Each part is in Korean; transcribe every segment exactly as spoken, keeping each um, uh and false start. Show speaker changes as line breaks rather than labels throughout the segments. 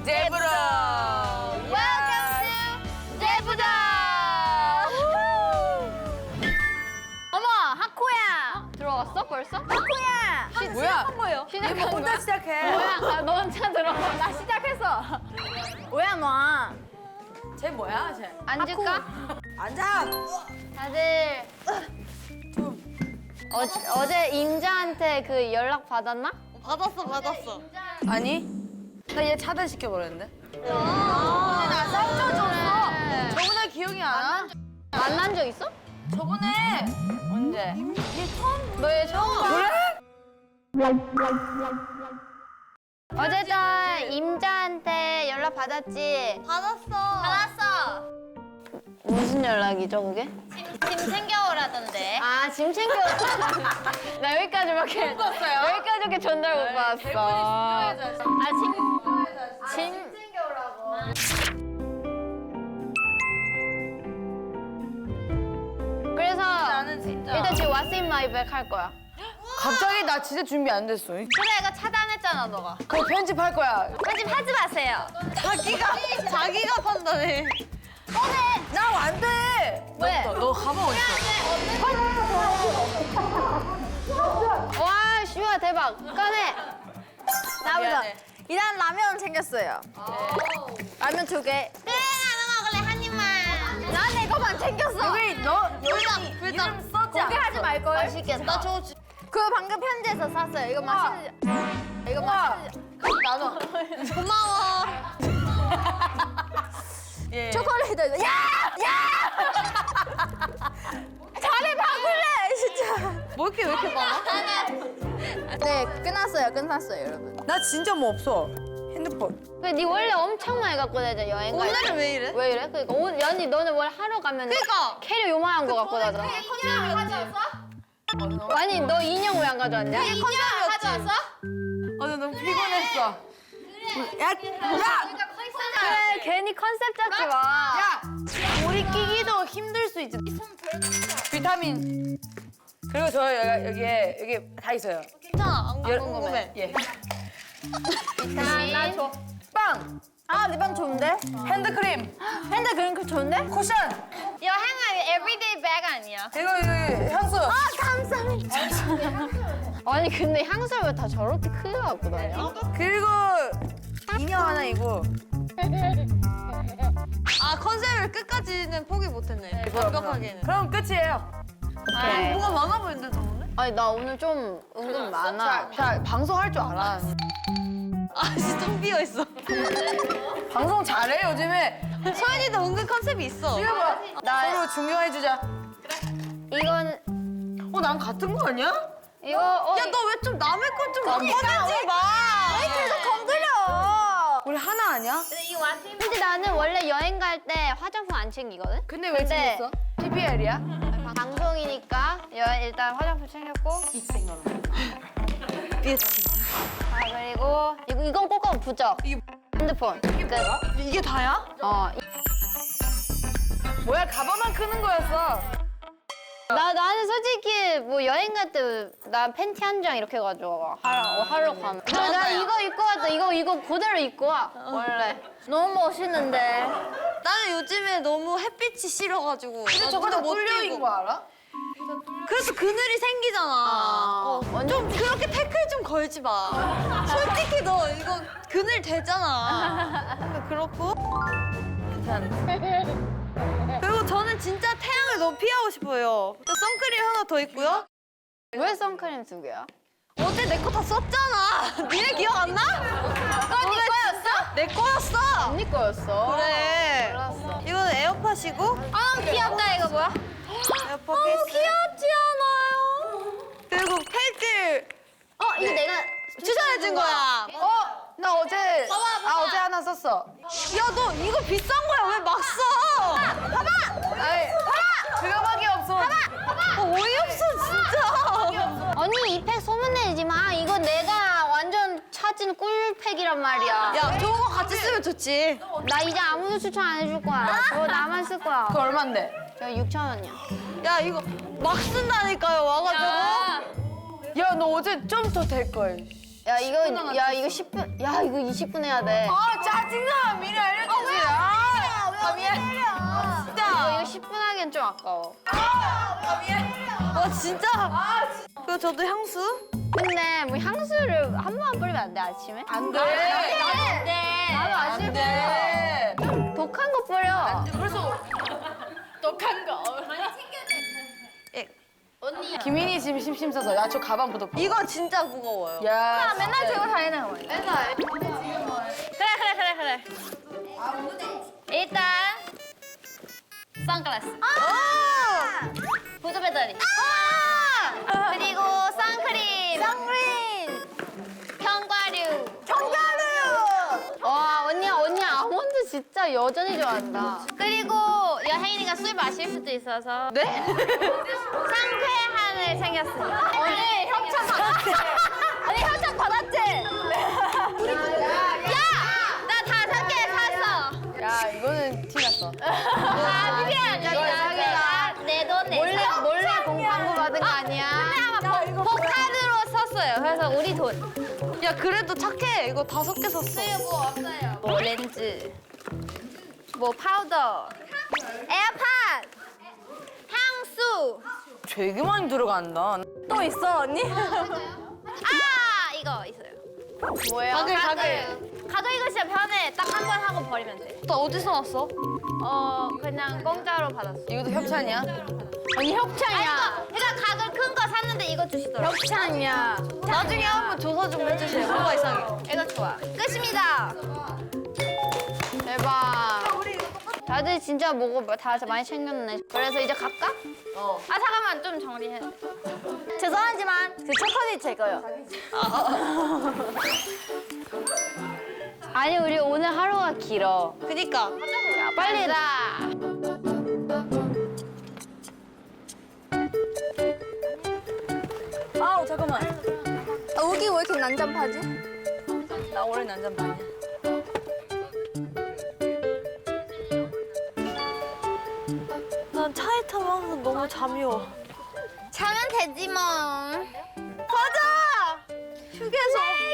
제부도.
Welcome to 제부도. 어머, 하코야. 들어왔어 벌써? 하코야.
시, 뭐야?
뭐예요?
시작한
혼자
거야?
시작해.
뭐야? 아, 너 혼자 들어가. 나 시작했어. 뭐야 너?
쟤 뭐야, 쟤?
앉을까?
앉아.
다들 어제, 어제 임자한테 그 연락 받았나?
받았어, 받았어.
아니, 나 얘 차단시켜버렸는데.
아,
나 상처 줬어. 저번에 기억이 안 나?
만난 적 있어?
저번에.
언제? 얘 처음 너얘 처음 봐?
그래?
어제도 임자한테 연락 받았지?
받았어. 받았어.
무슨 연락이죠 그게?
짐, 짐 챙겨오라던데.
아 짐 챙겨왔다. 나 여기까지밖에
못 봤어요?
여기까지밖에 전달 못 받았어.
대본이 진짜
아짐짐 챙겨오라고. 그래서
나는 진짜.
일단 지금 What's in my bag 할 거야.
갑자기 나 진짜 준비 안 됐어.
그래, 이거 차단했잖아, 너가.
그거 편집할 거야.
편집하지 마세요. 자기가, 자기가 판단해.
나 안 돼.
왜?
너, 너 가방 어디 있어?
와 슈아 대박. 꺼내. 나보자.
미안해.
일단 라면 챙겼어요. 라면 두 개.
그래, 라면 먹을래, 한 입만.
난 내 거만 챙겼어.
여기 너
불닭,
여기
불닭.
이름 써지
공개하지
않았어.
말 걸.
맛있겠다. 나 저거 주...
그거 방금 편지에서 샀어요. 이거 맛있는. 이거
우와.
맛있는.
나눠.
고마워.
예.
초콜릿도. 야! 야! 자리 바꿀래 진짜.
뭐 이렇게 왜 이렇게 많아?
네 끝났어요. 끝났어요 여러분.
나 진짜 뭐 없어. 핸드폰.
근데 네 원래 엄청 많이 갖고 다니잖아 여행 갈 때.
오늘은 왜 이래?
왜 이래? 그러니까 오늘 연이 너는 원래 하러 가면
그러니까.
캐리 요만한 거 갖고 다녀.
컨셉이었지.
아니 너 인형 왜 안 가져왔냐?
이게 컨셉이었지.
어, 나 너무 피곤했어. 야, 야,
그래 괜히 컨셉 잡지 마.
야. 우리 끼기도 힘들 수 있지. 비타민. 그리고 저 여기 여기에 여기 다 있어요.
괜찮아, 안
열-
궁금해.
예.
비타민. 나 줘.
빵.
아, 네 방 좋은데?
핸드크림.
핸드 그림 그 좋은데?
쿠션.
여행은 everyday bag 아니야?
이거 이거 향수.
아, 감사합니다. 아니 근데 향수를 왜 다 저렇게 크게 갖고 다녀?
그리고 인형 하나 이거.
아, 컨셉을 끝까지는 포기 못했네. 완벽하게는.
그럼 끝이에요.
오케이.
뭐가 많아 보이는데, 너 오늘?
아니 나 오늘 좀 은근 많아.
자, 자 방송 할 줄 알아.
아, 진짜 텅 비어있어.
방송 잘해 요즘에.
소연이도 은근 컨셉이 있어.
이거 봐.
나
서로 중요해 주자.
이건
어, 난 같은 거 아니야?
이거 어,
야, 너 왜 좀 남의 거좀 꺼내지 마.
계속 건드려.
우리 하나 아니야?
근데 나는 원래 여행 갈 때 화장품 안 챙기거든.
근데 왜
근데-
챙겼어? 티피엘이야?
방송이니까 여, 일단 화장품 챙겼고.
삐했지.
아 그리고 이거 이건 꼭 부적.
이게
핸드폰. 끝.
이게 다야?
어.
뭐야 가방만 크는 거였어.
나 나는 솔직히 뭐 여행 갈 때 나 팬티 한 장 이렇게 가져와 하러 어, 하러 가면. 근데 나 이거 입고 왔다. 이거 이거 그대로 입고 와 원래. 너무 멋있는데.
나는 요즘에 너무 햇빛이 싫어가지고.
근데 저거 다 뚫려인 거 알아?
그래서 그늘이 생기잖아.
아,
어, 좀 그렇게 태클 좀 걸지 마. 솔직히 너 이거 그늘 되잖아. 근데 그렇고. 그리고 저는 진짜 태양을 너무 피하고 싶어요. 또 선크림 하나 더 있고요.
왜 선크림 두 개야?
어제 내 거 다 썼잖아. 니네 기억 안 나?
어, 네 거였어?
내 거였어.
언니 거였어.
그래.
몰랐어.
이거는 에어팟이고.
아 귀엽다 이거 뭐야?
에어팟 케이스.
귀엽지 않아요?
그리고 펠들
어 이거 내가
추천해준 거야.
어? 나 어제 아 어제 하나 썼어.
야, 너 이거 비싼 거야. 왜 막 써?
아이, 그거밖에 없어.
어, 어이없어, 진짜.
언니 이 팩 소문내지 마. 이거 내가 완전 찾은 꿀팩이란 말이야.
야, 좋은 거 같이 쓰면 좋지.
나 이제 아무도 추천 안 해줄 거야. 저거 나만 쓸 거야.
그거 얼만데?
저 육천 원이야.
야, 이거 막 쓴다니까요, 와가지고.
야 너 어제 좀 더 될 걸.
야 이거 야 이거 십 분. 야 이거 이십 분 해야 돼.
아 짜증나 미리 알려주지. 아, 아 미안. 아,
이거
진짜.
이거 십 분 하기엔 좀 아까워.
아 미안.
와 진짜? 그거 저도 향수?
근데 뭐 향수를 한 번 뿌리면 안 돼 아침에?
안 돼.
안 돼. 나도
안
아침에
돼.
독한 거 뿌려.
그래서 독한 거. 김민희 지금 심심 써서 야 저 가방 부터.
이거 진짜 무거워요.
야.
맨날 들고 다니는 거. 맨날. 그래 그래 그래 그래. 일단 선글라스.
아!
보조 배터리. 그리고 선크림. 선크림. 견과류. 견과류. 와 언니 언니 아몬드 진짜 여전히 좋아한다. 그리고 여행이니까 술 마실 수도 있어서. 네? 상쾌함을 챙겼습니다. 언니 협찬 받았지? 언니 협찬 받았지? 야! 나 다섯 개 샀어.
야 이거는 티났어.
아, 미안. 자기가 내 돈에 몰래 몰래 공광고 받은 거 아니야? 근데 아마 복, 복카드로 썼어요. 그래서 우리 돈.
야 그래도 착해. 이거 다섯 개 샀어.
뭐 없어요? 뭐 렌즈, 뭐 파우더, 에어팟, 향수.
되게 많이 들어간다.
또 있어 언니?
아 이거 있어요. 뭐예요?
가글,
가글. 가글 이거 진짜 편해. 딱 한 번 하고 버리면 돼.
너 어디서 났어?
어 그냥 공짜로 받았어.
이것도 협찬이야?
아니 협찬이야. 그러니까 가글 큰 거 샀는데 이거 주시더라고. 협찬이야.
나중에 한번 조사 좀 해주세요. 뭐가 이상해?
이거 좋아. 끝입니다. 대박. 다들 진짜 먹어 다 많이 챙겼네. 그래서 이제 갈까?
어.
아 잠깐만 좀 정리해.
죄송하지만 그 초콜릿 제 거요.
아니 우리 오늘 하루가 길어.
그니까.
자 빨리다.
아우 잠깐만.
아, 우기 왜 이렇게 난장파지?
나 원래 난장판이야.
난 차에 타면 항상 너무 잠이 와.
자면 되지 뭐.
가자! 휴게소.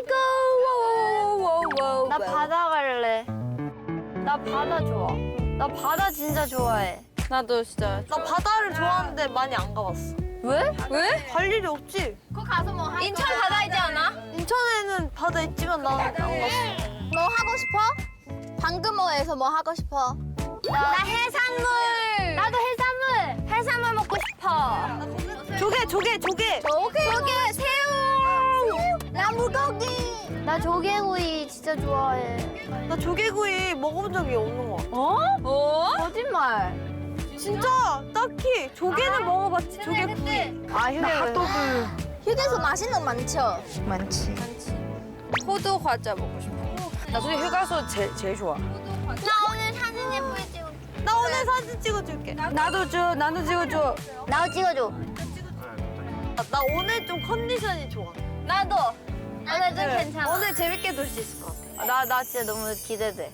고고고고고.
나 바다 갈래. 나 바다 좋아. 나 바다 진짜 좋아해.
나도 진짜. 나 바다를 좋아하는데 많이 안 가봤어.
왜?
왜? 갈 일이 없지.
거기 가서 뭐 할 인천 바다 있지 않아?
인천에는 바다 있지만 나는 안 갔어.
뭐 하고 싶어? 방금호에서 뭐 하고 싶어? 나 해산물. 나도 해산물. 해산물 먹고 싶어.
조개, 조개, 조개.
조개. 조개, 새우. 나 물고기. 나 조개구이 진짜 좋아해.
나 조개구이 먹어본 적이 없는 거 같아.
어? 어? 거짓말.
진짜 딱히 조개는 먹어봤지, 조개구이.
아 휴게.
휴게소 맛있는 거 많죠?
많지.
호두 과자 먹고 싶어.
나 솔직히 휴가소 제, 제일 좋아.
나 오늘 사진 예쁘게 찍어.
나 오늘 사진 찍어줄게. 나,
나도 줘, 나도 찍어줘.
나도 찍어줘.
나 오늘 좀 컨디션이 좋아.
나도. 오늘 좀 괜찮아.
오늘 재밌게 놀 수 있을 것 같아.
나, 나 진짜 너무 기대돼.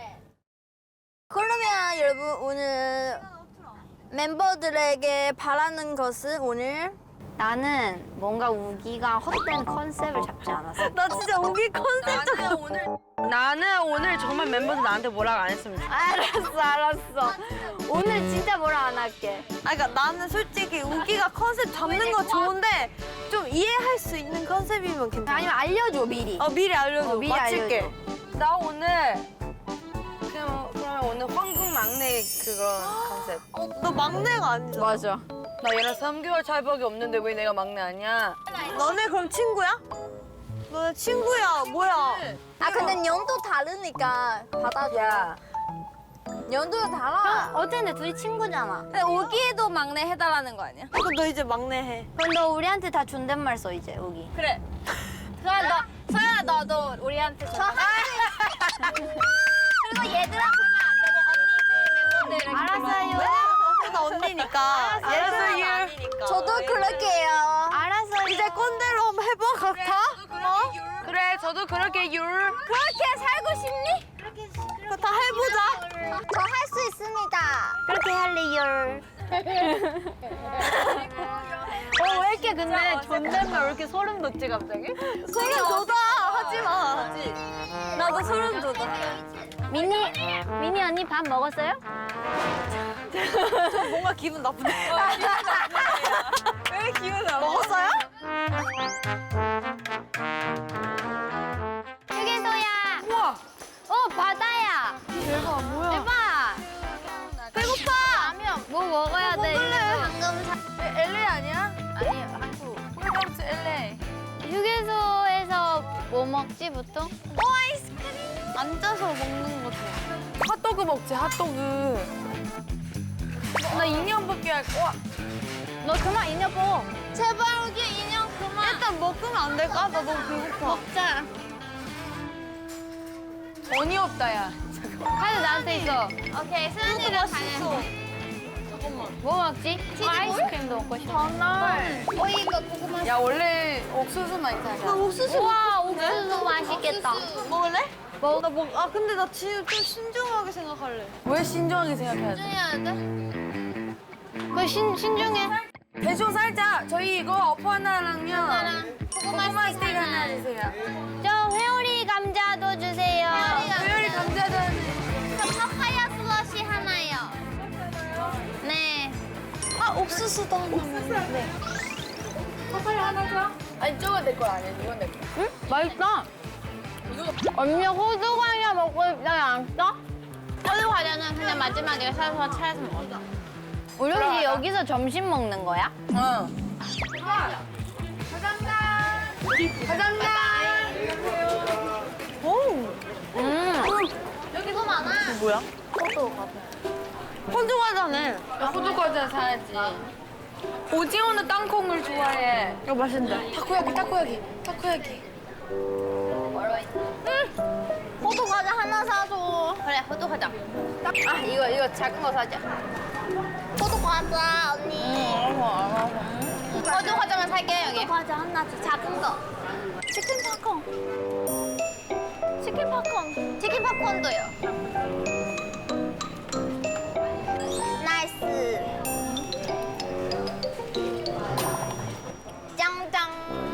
그러면 여러분 오늘 멤버들에게 바라는 것은 오늘
나는 뭔가 우기가 헛된 컨셉을 잡지 않았어.
나 진짜 우기 컨셉 좀
오늘 나는 오늘 정말 멤버들 나한테 뭐라고 안 했으면 좋겠어.
알았어, 알았어. 오늘 진짜 뭐라 안 할게.
아, 그러니까 나는 솔직히 우기가 컨셉 잡는 거 좋은데 좀 이해할 수 있는 컨셉이면 괜찮아.
아니면 알려줘, 미리.
어, 미리 알려줘.
어, 미리
맞출게.
알려줘.
나 오늘 그냥 그러면 오늘 황금 막내 그런 컨셉.
어, 너 막내가 아니잖아.
맞아.
나 얘랑 삼 개월 차이밖에 없는데 왜 내가 막내 아니야?
너네 그럼 친구야? 너네 친구야, 뭐야?
아 근데 년도 다르니까 받아줘.
야,
년도가 달라.
어쨌든 둘이 친구잖아.
근데 우기도 막내 해달라는 거 아니야?
그럼 너 이제 막내 해.
그럼 너 우리한테 다 존댓말 써, 이제, 우기.
그래.
그럼 너, 서연아, 너도 우리한테 존댓말. 그리고 얘들아 보면 안 되고 언니들 멤버들. 알았어요.
나 언니니까.
알았어요.
아니니까.
저도 그럴게요.
알았어요.
이제 꼰대로 한번 해봐, 각타. 어?
그래, 저도 그렇게 율.
그렇게 살고 싶니?
그거 다 해보자.
저 할 수 있습니다.
그렇게 할래요. 어, 왜 이렇게 근데 존댓말 왜 이렇게 소름 돋지 갑자기?
소름 돋아. 하지 마. 하지. 나도 소름 돋아.
미니, 미니 언니 밥 먹었어요?
뭔가 기분 나쁘네. 왜 기분 나빠? 먹었어요?
휴게소야.
우와.
어, 바다야.
대박 뭐야?
대박. 배고파. 라면 뭐 먹어야 돼? 방금 사...
엘에이 아니야?
아니, 한국.
웰컴 투 엘에이.
휴게소에서 뭐 먹지 보통?
오 아이스크림. 앉아서 먹는 거죠.
핫도그 먹지 핫도그. 나 인형 뽑기 할 거야.
너 그만 인형 뽑.
제발 여기 인형 그만. 일단 먹으면 안 될까? 나 너무 배고파.
먹자.
돈이 없다 야.
카드 나한테 있어.
오케이, 수연이랑 가는.
뭐 먹지? 어, 아이스크림도 먹고 싶어.
정말.
어, 이거 고구마.
야 원래 옥수수만 있잖아.
옥수수.
우와, 옥수수 맛있겠다.
먹을래?
먹.
나 먹. 아 근데 나 지금 좀 신중하게 생각할래.
왜 신중하게 생각해야 돼?
해야 돼?
그 신, 신중해.
대충 살짝 저희 이거 어퍼 하나랑요.
고구마
고구마
스틱
스틱 하나
하나.
주세요.
저 회오리 감자도 주세요.
요리 감자전.
파파야 슬러시 하나요.
네.
아 옥수수도 하나만. 네.
아니 저거 내 거 아니야. 이건 내 거.
응? 맛있다. 언니 호두 과자 먹고 싶지 않았어? 호두 과자는 그냥 마지막에 사서 차에서 먹어. 우리 혹시 여기서 점심 먹는 거야?
응. 감사합니다.
음.
이거 많아.
뭐야? 호두 과자네.
야, 호두 과자 사야지. 오징어는 땅콩을 좋아해.
이거 맛있는데.
타코야키, 타코야키, 타코야키.
호두 과자 하나 사줘. 그래, 호두 과자. 아, 이거 이거 작은 거 사자.
호두 과자 언니.
호두 과자만 살게 여기.
과자 하나 줘. 작은 거. 치킨 팝콘. 치킨 팝콘. 치킨 팝콘도요. 나이스. 짱짱.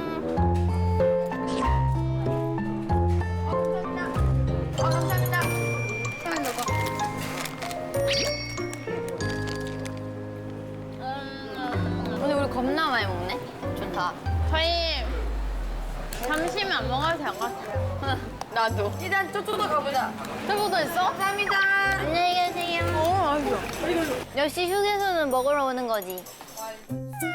아, 감사합니다.
근데 우리 겁나 많이 먹네. 좋다. 저희 점심 안 먹어도 될 것 같아요. 나도.
일단 저쪽도 가보자.
저보도 있어?
감사합니다.
안녕히 계세요.
어 맛있어.
역시 휴게소는 먹으러 오는 거지.